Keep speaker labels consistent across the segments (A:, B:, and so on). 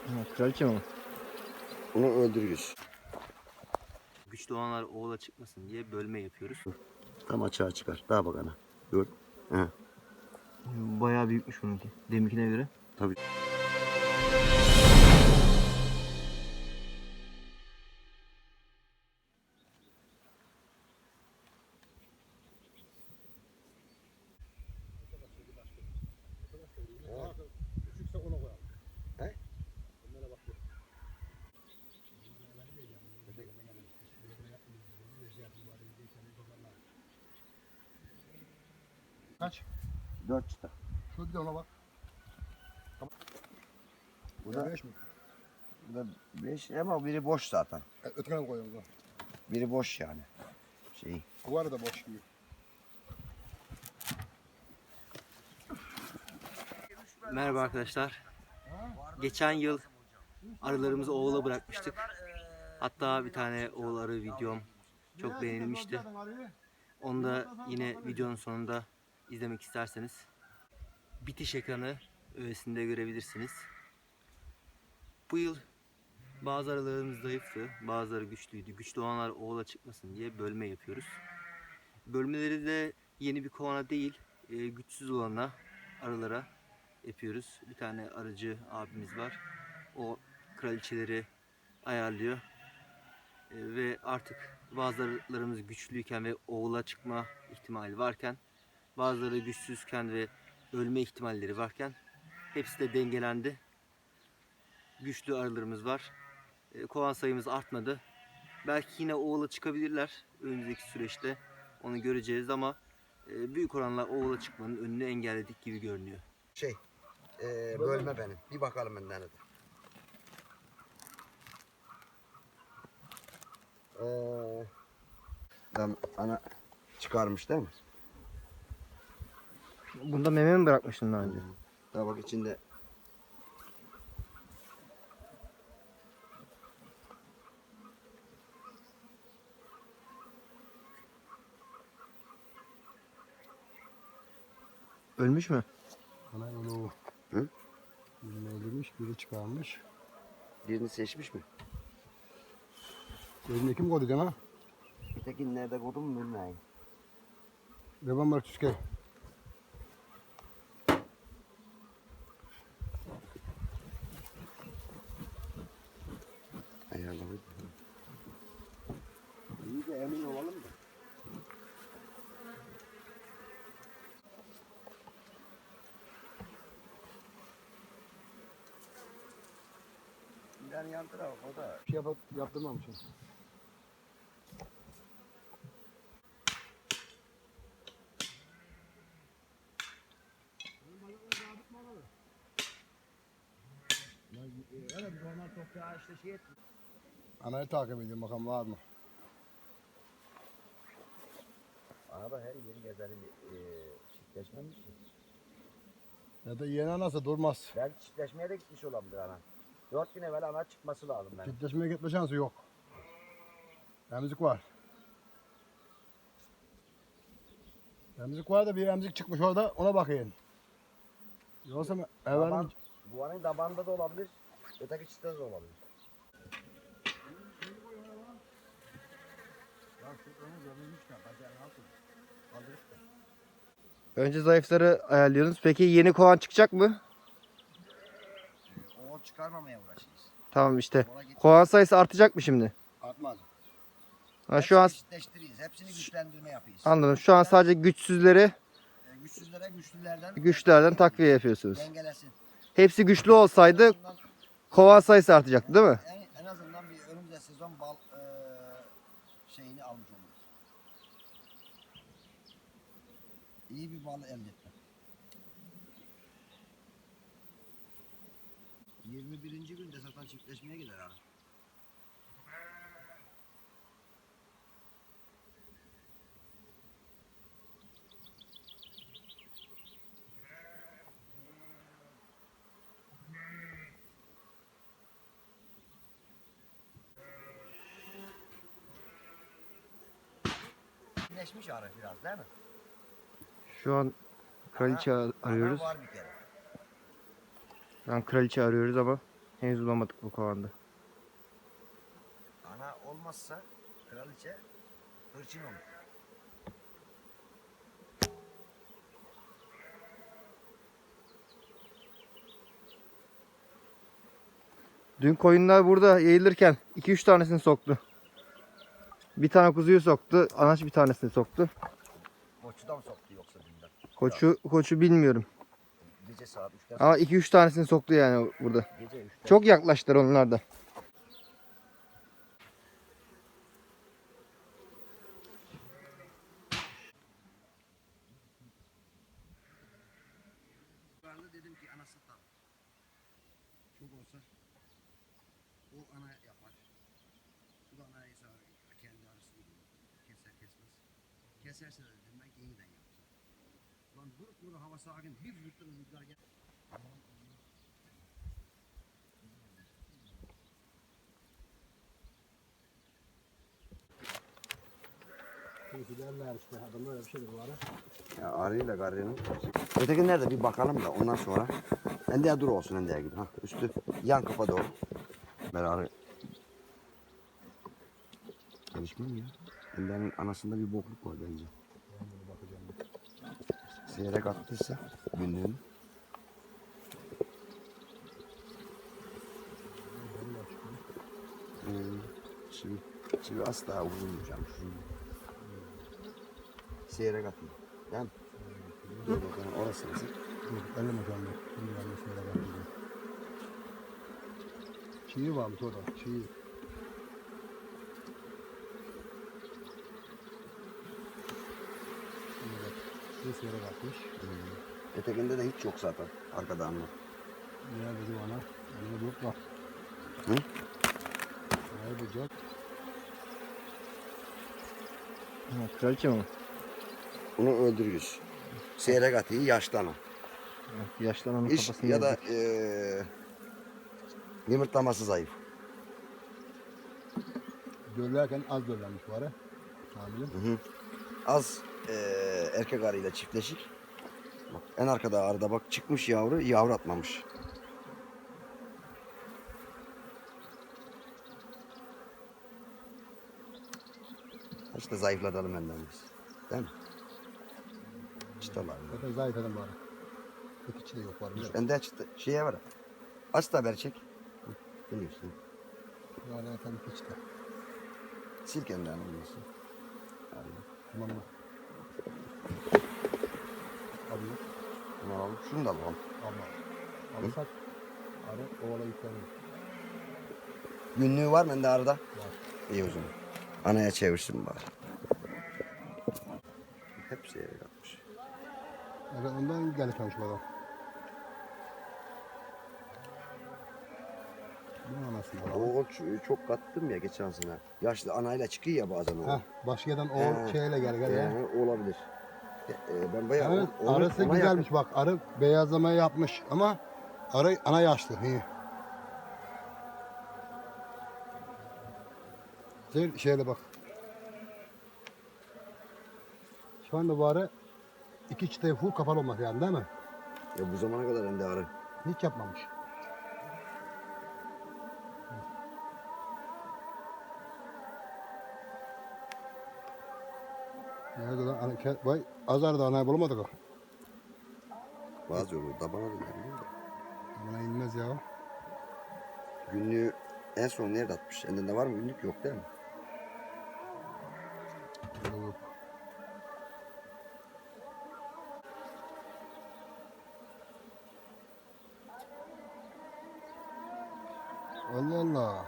A: Ha, kraliçe mi?
B: Onu öldürürüz.
C: Güçlü olanlar oğula çıkmasın diye bölme yapıyoruz.
B: Tam açığa çıkar. Daha bak ana. Gör. He.
A: Bayağı büyükmüş bununki. Deminkine göre.
B: Tabii.
D: Küçükse ona koyalım.
B: He?
D: Onlara bak. Kaç?
B: 4 çıta.
D: Şu bir de ona bak.
B: Bu da
D: 5 mi?
B: Bu da 5 ama biri boş zaten.
D: Ötekine mi koyalım?
B: Biri boş yani. Şey.
D: Bu arada boş gibi.
C: Merhaba arkadaşlar. Geçen yıl arılarımızı oğula bırakmıştık. Hatta bir tane oğul arı videom çok beğenilmişti. Onu da yine videonun sonunda izlemek isterseniz bitiş ekranı öğesinde görebilirsiniz. Bu yıl bazı arılarımız zayıftı, bazıları güçlüydü. Güçlü olanlar oğula çıkmasın diye bölme yapıyoruz. Bölmeleri de yeni bir kovana değil, güçsüz olana arılara yapıyoruz. Bir tane arıcı abimiz var. O kraliçeleri ayarlıyor. Ve artık bazılarımız güçlüyken ve oğula çıkma ihtimali varken, bazıları güçsüzken ve ölme ihtimalleri varken hepsi de dengelendi. Güçlü arılarımız var. Kovan sayımız artmadı. Belki yine oğula çıkabilirler önümüzdeki süreçte. Onu göreceğiz ama büyük oranla oğula çıkmanın önünü engelledik gibi görünüyor.
B: Bölme benim. Bir bakalım benden de. Ben ana çıkarmış değil mi?
A: Bunda meme mi bırakmıştın daha önce?
B: Daha bak içinde.
A: Ölmüş mü?
D: Ana onu
B: Hı?
D: birini öldürmüş, biri çıkarmış.
B: Birini seçmiş mi?
D: Gözünde kim koydu cana?
B: Ötekini nerede koydum mu bilmiyorum.
D: Devam var tüske.
B: Ayarladım. İyi de emin olalım da. Yani yan taraf o da.
D: Bir şey yaptırmamışım.
B: Evet, normal toprağa işte şey etmiyor.
D: Anayı takip ediyorum bakalım var mı?
B: Araba her yeri gezerim. Çiftleşmemiş mi?
D: Ya da yeni anası durmaz.
B: Belki çiftleşmeye de gitmiş olabilir ana. 4 gün evvel ana çıkması lazım benim.
D: Çiftleşmeye gitme şansı yok. Emzik var. Emzik var da bir emzik çıkmış orada ona bakayım. Yoksa evvel
B: Daban, buvanın dabanda da olabilir. Öteki çiftde de olabilir.
A: Önce zayıfları ayarlıyorsunuz. Peki yeni kovan çıkacak mı?
B: O çıkarmamaya uğraşırız.
A: Tamam işte.
B: Ona git.
A: Kovan sayısı artacak mı şimdi?
D: atmaz.
A: Ha, şu an
B: Çiftleştiririz. Hepsini güçlendirme yapıyoruz.
A: anladım. Şu an sadece güçsüzleri
B: Güçsüzlere güçlülerden
A: güçlülerden takviye yapıyorsunuz.
B: dengelesin.
A: Hepsi güçlü olsaydı
B: En azından,
A: kovan sayısı artacaktı değil mi?
B: en azından bir önümüzde sezon bal şeyini almış oluruz. İyi bir bal elde etmek. 21. günde zaten çiftleşmeye gider abi. Çiftleşmiş arı biraz değil mi?
A: Şu an kraliçe arıyoruz.
B: Ana var bir kere.
A: Şu an kraliçe arıyoruz ama Henüz bulamadık bu kovanda.
B: Ana olmazsa kraliçe hırçın olur.
A: Dün koyunlar burada yayılırken 2-3 tanesini soktu. Bir tane kuzuyu soktu. Anaç bir tanesini soktu.
B: Koçudan soktu yoksa dünden.
A: Koçu bilmiyorum.
B: Gece saat 3'ten
A: Ama 2-3 tanesini soktu yani burada.
B: Gece 3'ten.
A: Çok yaklaştılar onlar da.
B: Ben de dedim ki anası tam. Çok olsa o ana yapar. Bu da anayı sağır. Kendi arasını keser kesmez. Keserse de dedim ben yeniden yapacağım. Lan durup burada hava sakin bir fırtına rüzgar gel.
D: Derler işte adam öyle bir şeydir bu ara.
B: Ya arıyla garının. Öteki nerede bir bakalım da ondan sonra. Endeye dur olsun endeye gibi. Ha, üstü yan kafa doğru. Ben arı. Çalışmam ya. Endenin anasında bir bokluk var bence. Seyrek attıysa günlüğünü. Şimdi asla vurulmayacağım. Seyrek atayım. Yani. Dur bakalım orası nasıl?
D: Dur, elleme canlı. Şimdi yanlış yere bakacağım. Çiğ varmış orada, çiğ. Şimdi bak, ses yere bakmış.
B: Ötekinde de hiç yok zaten. Arkada anla.
D: Diğer dedi bana, önüne dört var.
B: Hı?
D: Orayı bulacak.
A: Ha, kraliçe mi?
B: Bunu öldürürüz. Seyrek atıyı yaştan al.
A: Evet, yaşlanan
B: İş
A: kafasını
B: ya da
A: yedik.
B: yumurtlaması zayıf.
D: Döllerken az döllenmiş bu ara. Hamilim.
B: Az erkek arıyla çiftleşik. Bak, en arkada arada bak çıkmış yavru atmamış. İşte zayıflatalım benden biz. Değil mi? Çıtalar.
D: Zaten zayıf adam bu ara. Tek içi de yok var. Biliyor musun?
B: Bende çıtı şeye var. Aç da haber çek. Biliyorsun.
D: Yani zaten tek içi de.
B: Sil kendi olmasın.
D: Tamam mı? Alıyor.
B: Bunu alalım. Şunu da alalım.
D: Alma. Alırsak arı ovala yüklenir.
B: Günlüğü var mı bende arada?
D: Var.
B: İyi o zaman. Anaya çevirsin bari. Hepsi yere katmış.
D: Evet, ondan gelişmemiş bu adam. Bu anasını alalım.
B: O çok kattım ya geçen sene. Yaşlı anayla çıkıyor ya bazen o.
D: Heh, başkadan o şeyle gel ya.
B: Yani olabilir. Ben bayağı
D: Evet,
B: onu-
D: arısı
B: ona
D: güzelmiş bak. Arı beyazlamayı yapmış ama arı ana yaşlı. İyi. Şöyle bak. Şu anda bu arı iki çıtayı full kapalı olmak yani değil mi?
B: Ya bu zamana kadar ende arı.
D: Hiç yapmamış. Nerede lan? Vay, azar da anayı bulamadık o.
B: Bazı yolu tabana da gelmiyor da.
D: Bana inmez ya.
B: Günlüğü en son nerede atmış? Endinde var mı günlük? Yok değil mi?
D: Yok. Allah Allah.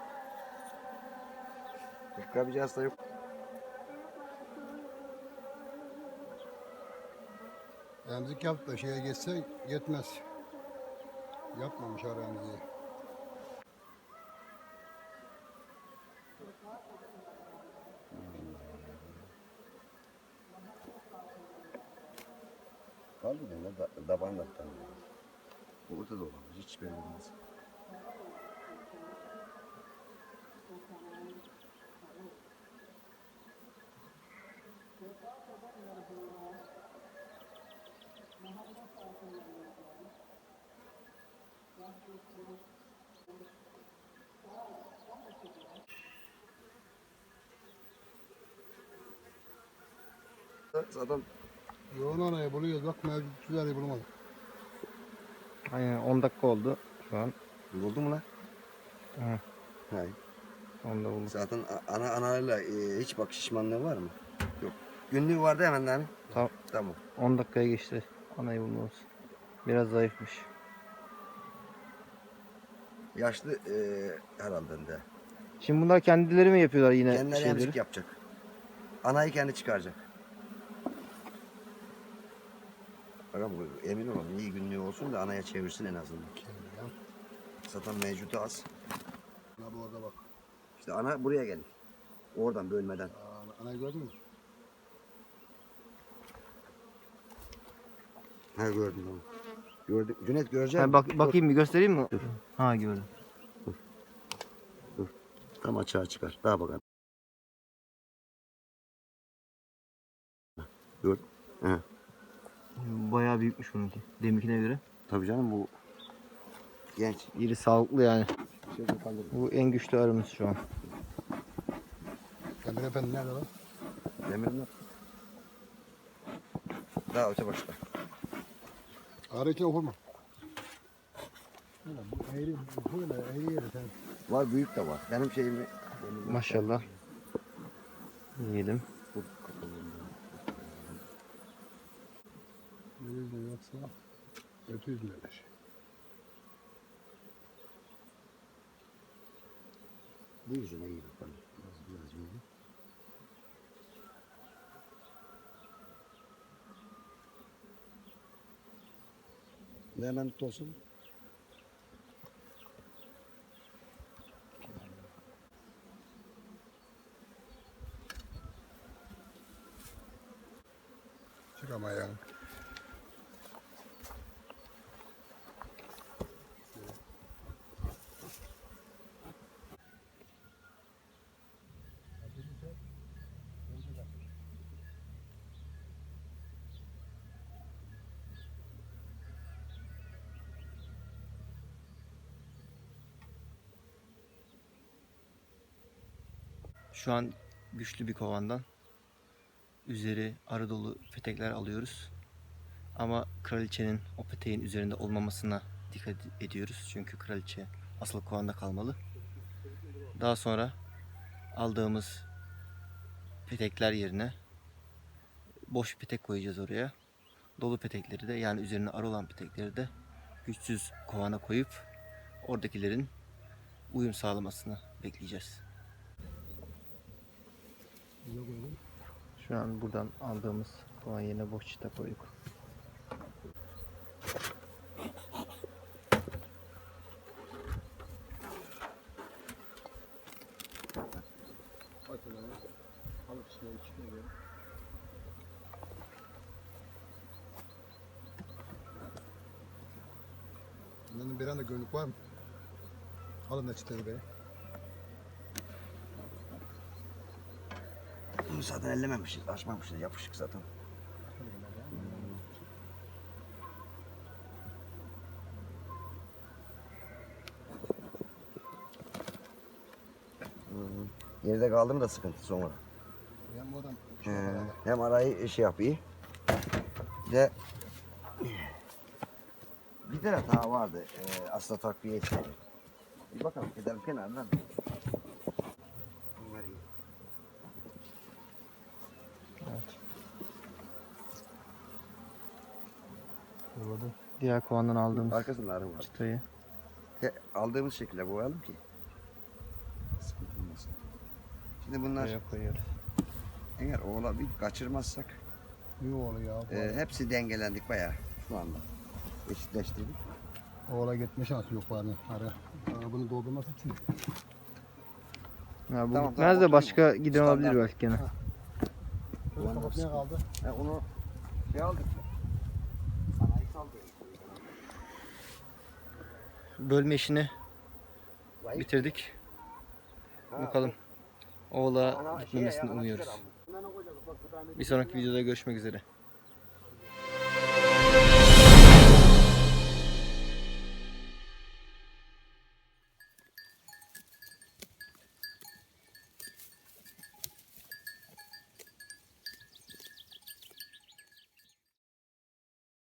B: Başka bir hasta yok.
D: Emzik yaptı da şeye geçse yetmez. Yapmamış ara emziği.
B: Kaldı ne? Daban da tanıyor. Orada da olamaz. Hiç belli olmaz. Zaten
D: Yoğun arayı buluyoruz. Bak mevcut güzel bulamadık.
A: Aynen 10 dakika oldu şu an.
B: buldu mu lan?
A: Hı.
B: Hayır.
A: Onu da bulduk.
B: Zaten analarla hiç bak şişmanlığı var mı? Yok. Günlüğü vardı hemen hani.
A: Tamam.
B: Tamam.
A: 10 dakikaya geçti anayı bulmamız. Biraz zayıfmış.
B: Yaşlı herhalde de.
A: Şimdi bunlar kendileri mi yapıyorlar yine
B: Kendileri
A: şeyleri?
B: emzik yapacak. Anayı kendi çıkaracak. Bakalım emin olalım iyi günlüğü olsun da anaya çevirsin en azından. Zaten mevcudu az.
D: Ana bu orada bak.
B: İşte ana buraya gelir. Oradan bölmeden.
D: Anayı gördün mü?
B: Ha gördüm tamam. Gördüm. Cüneyt görecek
A: Ha,
B: misin?
A: bakayım bir göstereyim mi? Ha gördüm.
B: Tam açığa çıkar. Daha bakalım. Gördün. He.
A: Bayağı büyükmüş bununki. Deminkine göre.
B: Tabii canım bu genç.
A: İri sağlıklı yani.
D: Şöyle kaldır.
A: Bu en güçlü arımız şu an.
D: Emir Efendi nerede lan?
B: Demirin yok. Daha öte başta.
D: Arı içine okurma. Bu eğri, bu böyle eğri yeri sen.
B: Var büyük de var. Benim şeyimi
A: Maşallah. Yiyelim.
D: Yüzde yoksa kötü yüzde şey.
B: bu yüzüne iyi bakalım. Biraz yüzü. Ne hemen tut olsun.
D: Çık ama ya.
C: Şu an güçlü bir kovandan üzeri arı dolu petekler alıyoruz. Ama kraliçenin o peteğin üzerinde olmamasına dikkat ediyoruz. Çünkü kraliçe asıl kovanda kalmalı. Daha sonra aldığımız petekler yerine boş petek koyacağız oraya. Dolu petekleri de yani üzerine arı olan petekleri de güçsüz kovana koyup oradakilerin uyum sağlamasını bekleyeceğiz.
A: Şu an buradan aldığımız kovan yerine boş çita koyduk.
D: Alıp içine içine ver. Bunların bir anda gönlük var mı? Alın da çıtayı be.
B: Bunu zaten ellememişiz, açmamışız, yapışık zaten. Geride kaldı mı da sıkıntı sonra.
D: Yani bu adam
B: Hem arayı şey yapıyor. Bir bir tane daha vardı aslında takviye için. Bir bakalım gidelim kenardan. Bunlar iyi.
A: Diğer kovandan aldığımız
B: Arkasında arı var.
A: çıtayı.
B: Aldığımız şekilde boyayalım ki. Sıkıntı olmasın. Şimdi bunlar
A: Buraya koyuyoruz.
B: eğer oğla bir kaçırmazsak
D: ne oluyor ya?
B: hepsi dengelendik bayağı şu anda. Eşitleştirdik.
D: Oğla gitme şansı yok bari. Arı. Bunu doldurması için.
A: Ya bu
B: Tamam,
A: gitmez
B: tamam,
A: de
B: oturma.
A: başka giden olabilir
B: Standart.
A: belki gene.
D: Şöyle kapatmaya kaldı.
B: Onu şey aldık. Sanayi saldı.
A: Bölme işini bitirdik. Bakalım. Oğla gitmemesini umuyoruz. Bir sonraki videoda görüşmek üzere.